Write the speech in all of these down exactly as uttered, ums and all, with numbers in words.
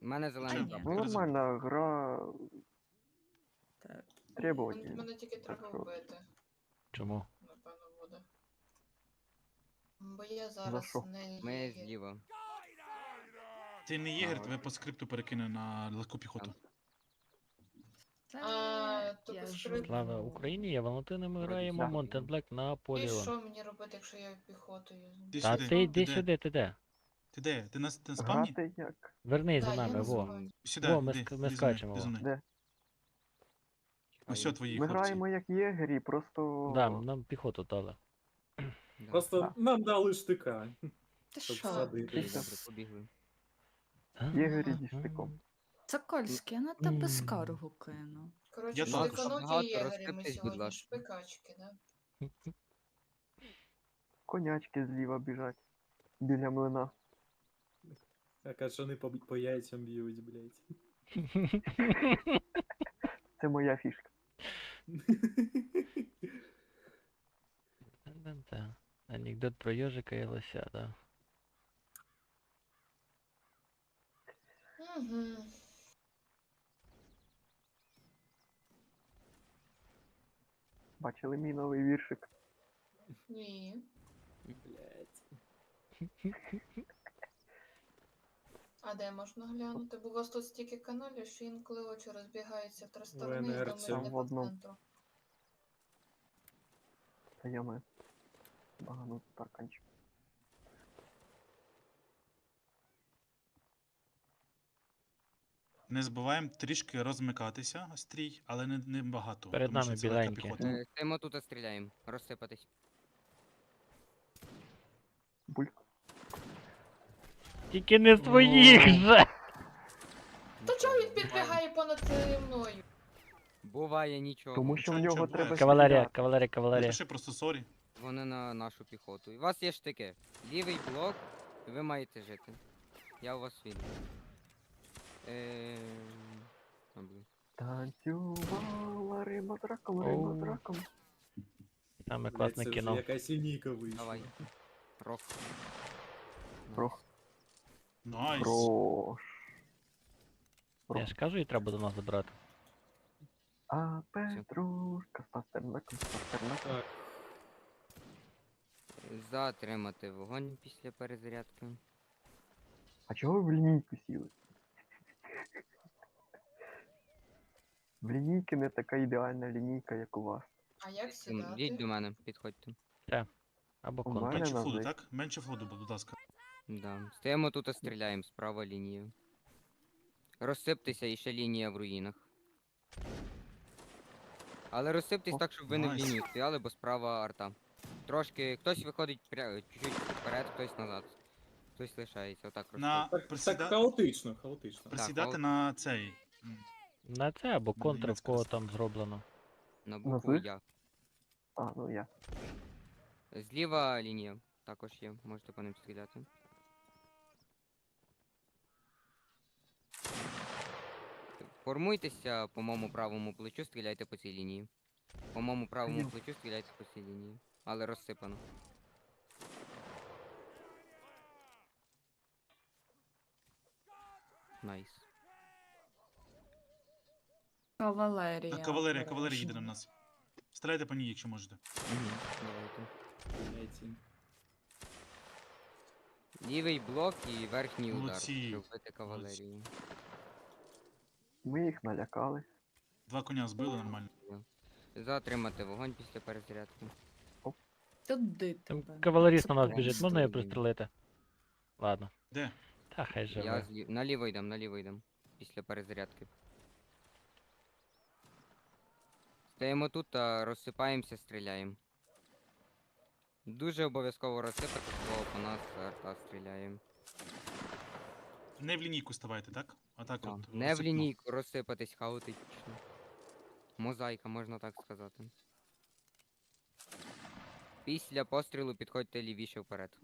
У мене зелений ні. прапор. Ну нормально, гра Так. требовательна. Мене тільки Так треба що вбити, Чому? напевно, буде. Бо я що? зараз не Ми є. зліва. Ти не єгер, Ага. тебе по скрипту перекине на легку піхоту. Це А, то я по ж- скрипту. Слава Україні, я Валентина, ми Вроді граємо так. Mountain Black на І Поліон. що мені робити, якщо я піхотою? Ти Та сюди, ти йди де? сюди, ти де? Ти де? Ти на, ти на спавні? Грати як? Вернись Да, за я нами, на во. спавні. Сюди, Во, ми іди, ск- ми іди за мною, скачемо, іди за во. мною. Де? Ось що твої Ми хлопці. граємо як єгері, просто. Да, нам піхоту дали. Да. Просто Так. нам дали штика. Ти Щоб що? садити. Окей, Після- добре, побігли. Єгері зі штиком. Сокольський, я на тебе М. скаргу кину. Коротше, Я також. штикануті Багато єгері ми розсиптись, будь сьогодні ласка. шпикачки, да? Конячки зліва біжать. Біля млина. Так, а що вони по, по яйцям б'ють, блядь. Це моя фішка. Та-та-та. Анекдот про ежика і лося, да. Угу. Бачили мій новий віршик? Ні. Блядь. А де можна глянути? Бо у вас тут стільки каналів, що інколи очі розбігаються в три сторони і інерція. думають, де В по одному. центру. Та я ми. Багану тарканчик. Не забуваємо трішки розмикатися, стрій, але не, не багато. Перед тому що нами це легка біленькі. піхота. Е, Стоїмо тут, а стріляємо. Розсипатись. Бульк. Тільки не своїх же! То чого він підбігає понад е, мною? Буває нічого. Тому що в Нічого, нього нічого, треба Кавалерія, стріляти. кавалерія, кавалерія. Напиши просто сорі. Вони на нашу піхоту. І у вас є штики. Лівий блок, і ви маєте жити. Я у вас вільний. Е... а, блін. Танцювала риба з раком, риба з Оу. раком. Саме Блядь, класне це вже кіно. якась лінійка вийшла. Давай. Рок. Прох. Найс. Прош. Я ж кажу, і треба до нас забрати. А Петрушка з пастернаком, з пастернаком. Так, Затримати вогонь після перезарядки. А чого ви в лінійку сіли? В лінійки не така ідеальна лінійка, як у вас. А як М, сідати? Йдіть до мене, підходьте. Або У мене контр. Менше на флоду, зик. так? Менше флоду, будь ласка. Да. Стоїмо тут, а стріляємо справа лінію. Розсиптеся і ще лінія в руїнах. Але розсиптесь О, так, щоб ви не в найс. лінію стояли, бо справа арта. Трошки хтось виходить пря... чуть-чуть вперед, хтось назад. Хтось лишається, отак На розсип- так, присіда... так хаотично, хаотично. присідати Так, на цей. м, На це або Ну, контр, в німецька кого роз- там зроблено. на букву Назви? Я. А, ну я. Зліва лінія також є, можете по ним стріляти. Формуйтеся по моєму правому плечу, стріляйте по цій лінії. По моєму правому Ні. плечу стріляйте по цій лінії. Але розсипано. Найс. Кавалерія. Так, кавалерія, кавалерія їде обережно. на нас. Стріляйте по ній, якщо можете. Угу. Давайте. Блядь. Лівий блок і верхній удар, Молодці. щоб вбити кавалерію. Ми їх налякали. Два коня збили нормально. Затримати вогонь після перезарядки. Туди Там тебе. кавалеріст на нас Це біжить, просто можна його він. пристрелити? Ладно. Де? Та хай Я живе. злі... наліво йдем, наліво йдем. Після перезарядки. Стоїмо тут та розсипаємося, стріляємо. Дуже обов'язково розсипати, бо по нас арта стріляє. Не в лінійку ставайте, так? А так Да. от. Не в розсипно. лінійку розсипатись хаотично. Мозаїка, можна так сказати. Після пострілу підходьте лівіше вперед.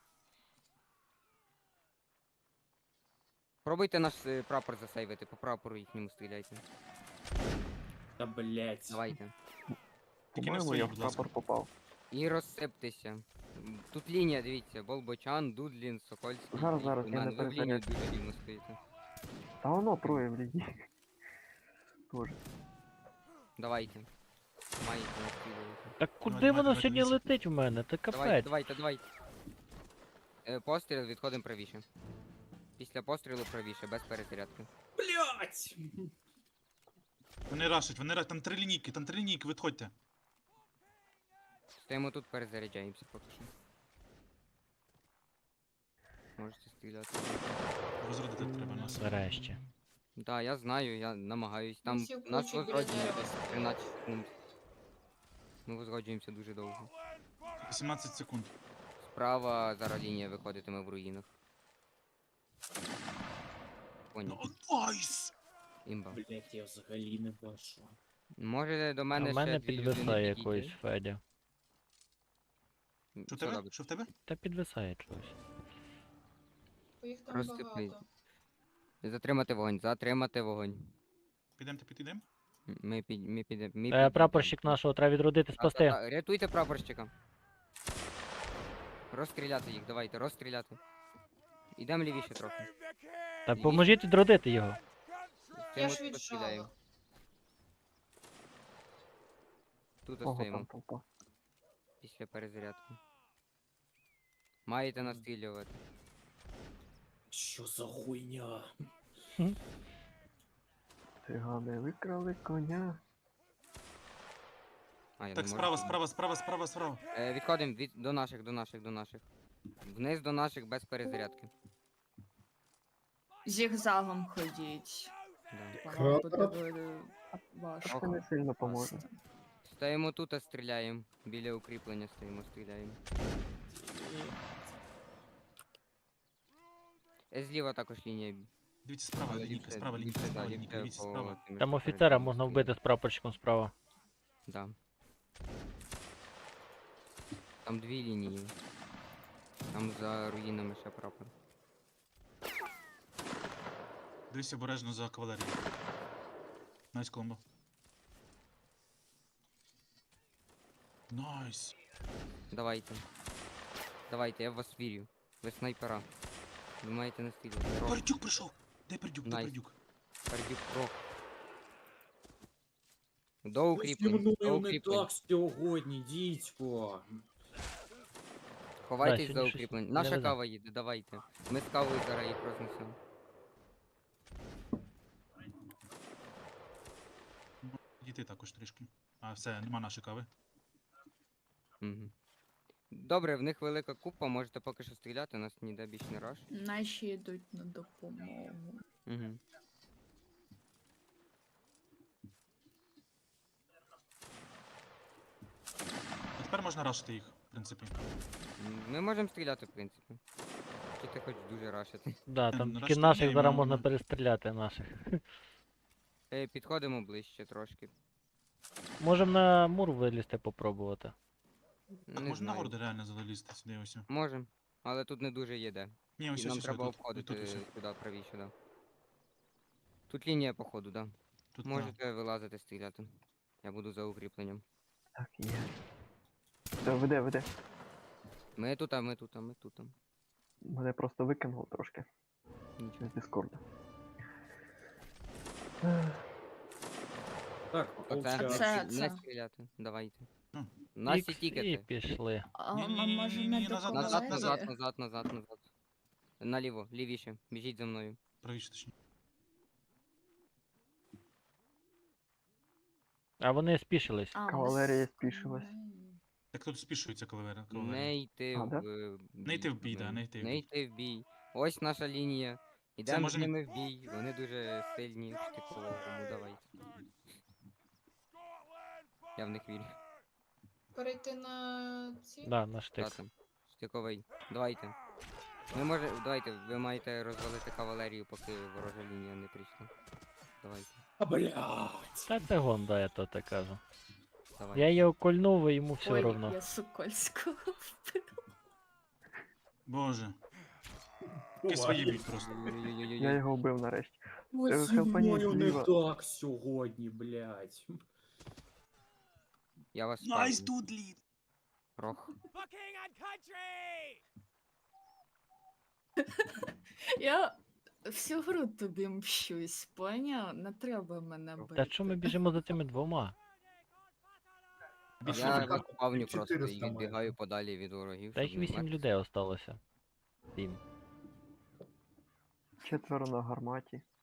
Пробуйте наш е, прапор засейвити, по прапору їхньому стріляйте. Та блядь. Давайте. Тільки не По-моєму, свої, я в будь ласка. прапор попав. І розсиптеся. М, Тут лінія, дивіться, Болбочан, Дудлін, Сокольський. Зараз, і зараз, я Кунан. на Ви в лінію перезарядці. дуже рівно стоїте. Та воно троє в лінійці. Тоже. Давайте. Маєте настрілювати. Так куди давай, воно давай, сьогодні дивись. летить у мене? Та Давайте, капець. давайте, давайте. Е, постріл, відходимо правіше. Після пострілу правіше, без перезарядки. Блять! Вони рашать, вони рашать, там три лінійки, там три лінійки, відходьте. Стоїмо тут, перезаряджаємося поки що. Можете стріляти. Розрядити треба нас. Нарешті. Да, я знаю, я намагаюсь. Там Всі в нас кучі біля возродження дерева десь стоять. тринадцять секунд. Ми возроджуємося дуже довго. вісімнадцять секунд. Справа зараз лінія виходитиме в руїнах. Ну, Поняв. найс! Імба. Блять, я взагалі не бачу. Може до А мене в ще мене дві підвисає людини якоюсь підійти? Федя. М, Що в що тебе? робити? Що в тебе? Та підвисає чогось. Бо їх там Розсипний. багато. Затримати вогонь, затримати вогонь. Підемте, підійдемо? М, Ми під... Ми піде... Ми Е, підійдемо. прапорщик нашого треба відродити, спасти. Та-та-та, рятуйте прапорщика. Розстріляти їх, давайте, розстріляти. Ідемо лівіше трохи. Та поможіть відродити його. Я Стоїмо ж тут, розстріляємо. віджала. Тут Ого, стоїмо, там толпа. після перезарядки. Маєте настрілювати. Що за хуйня? Цигани викрали коня. А, я Так, не справа, можу. справа, справа, справа, справа. Е, відходимо від... до наших, до наших, до наших. Вниз до наших без перезарядки. Зігзагом ходіть. Да. Воно буде ви- важко. Це не сильно поможе. Просто. Стоїмо тут, а стріляємо. Біля укріплення стоїмо, стріляємо. Е, зліва також лінія. Дивіться, справа Але лінійка, ліпше- справа лінійка, ліпше, справа да, лінійка, ліпше дивіться, по справа. тим, Там що офіцера перед можна нами вбити з стоїть. прапорщиком справа. Да. Там дві лінії. Там за руїнами ще прапор. Дивіться обережно за кавалерією. Найс, Коломбо. Найс. Давайте. Давайте, я в вас вірю. Ви снайпера. Ви маєте настрілювати. Рок, Пердюк прийшов! Де пердюк, де Найс. пердюк? пердюк, рок. До укріплень, Зі до мною не укріплень. так сьогодні, дідько. Ховайтесь Да, за сьогодні щось укріплень. не Наша везе. кава їде, давайте. Ми з кавою зараз їх рознесемо. Дійти також трішки. А, все, нема нашої кави. Угу. Добре, в них велика купа, можете поки що стріляти, нас ніде більш не раш. Наші йдуть на допомогу. Угу. А тепер можна рашити їх, в принципі. Ми можемо стріляти, в принципі. Чи ти хочеш дуже рашити? Да, Е, там ну, тільки решта наших ні, зараз ну, можна ну. перестріляти наших. Е, підходимо ближче трошки. Можемо на мур вилізти попробувати. Так, Не можна на знаю. горди реально залізти сюди ось. Можем, але тут не дуже є де. Ні, ось І ось нам ось, треба тут, обходити тут, ось. сюди, правіше, да. Тут лінія походу, да. Тут, да. Можете вилазити, стріляти. Я буду за укріпленням. Так, є. Все, веде, веде. Ми тут, а ми тут, а ми тут. а. Мене просто викинуло трошки Нічого. з Дискорду. Так, Оце, не, получається. Це- стрі- не це. стріляти, давайте. Ну. Наші Ікс, і тікети. пішли. А Ні-ні-ні-ні-ні, м- може не до назад, Назад, назад, назад, кавалерії? назад, назад, назад. Наліво, лівіше. Біжіть за мною. Правіше, точніше. А вони спішились. А, ми Кавалерія з- спішилась. Так тут спішується кавалерія. кавалерія. Не йти А, в да? е, Не йти в бій, да, блин. не йти в Не бій. йти в бій. Ось наша лінія. Ідемо з можемо- ними в бій. Вони дуже сильні в штиковому, давайте. Я в них вірю. Перейти на ці. Да, на штик. Та там. Штиковий. Давайте. Ми може. Давайте, ви маєте розвалити кавалерію, поки ворожа лінія не прийшла. Давайте. А, блядь. Та це гонда, я то так кажу. Давайте. Я його кольнув, і йому все Ой, одно. я Сокольського вбила. Боже. Ти свої бій просто. Ой-ой-ой-ой-ой. Я його вбив нарешті. Ось Е, зі Хелпані мною не зліва. так сьогодні, блядь. Я вас Найс, ставлю. Дудлі! Рох. Я всю гру тобі мщусь, поняв? Не треба мене бити. Та що ми біжимо за цими двома? Більше Я ви- так, виспавню просто і чотириста відбігаю майже. подалі від ворогів. Та щоб їх не вісім мертві. людей осталося. Сім. Четверо на гарматі.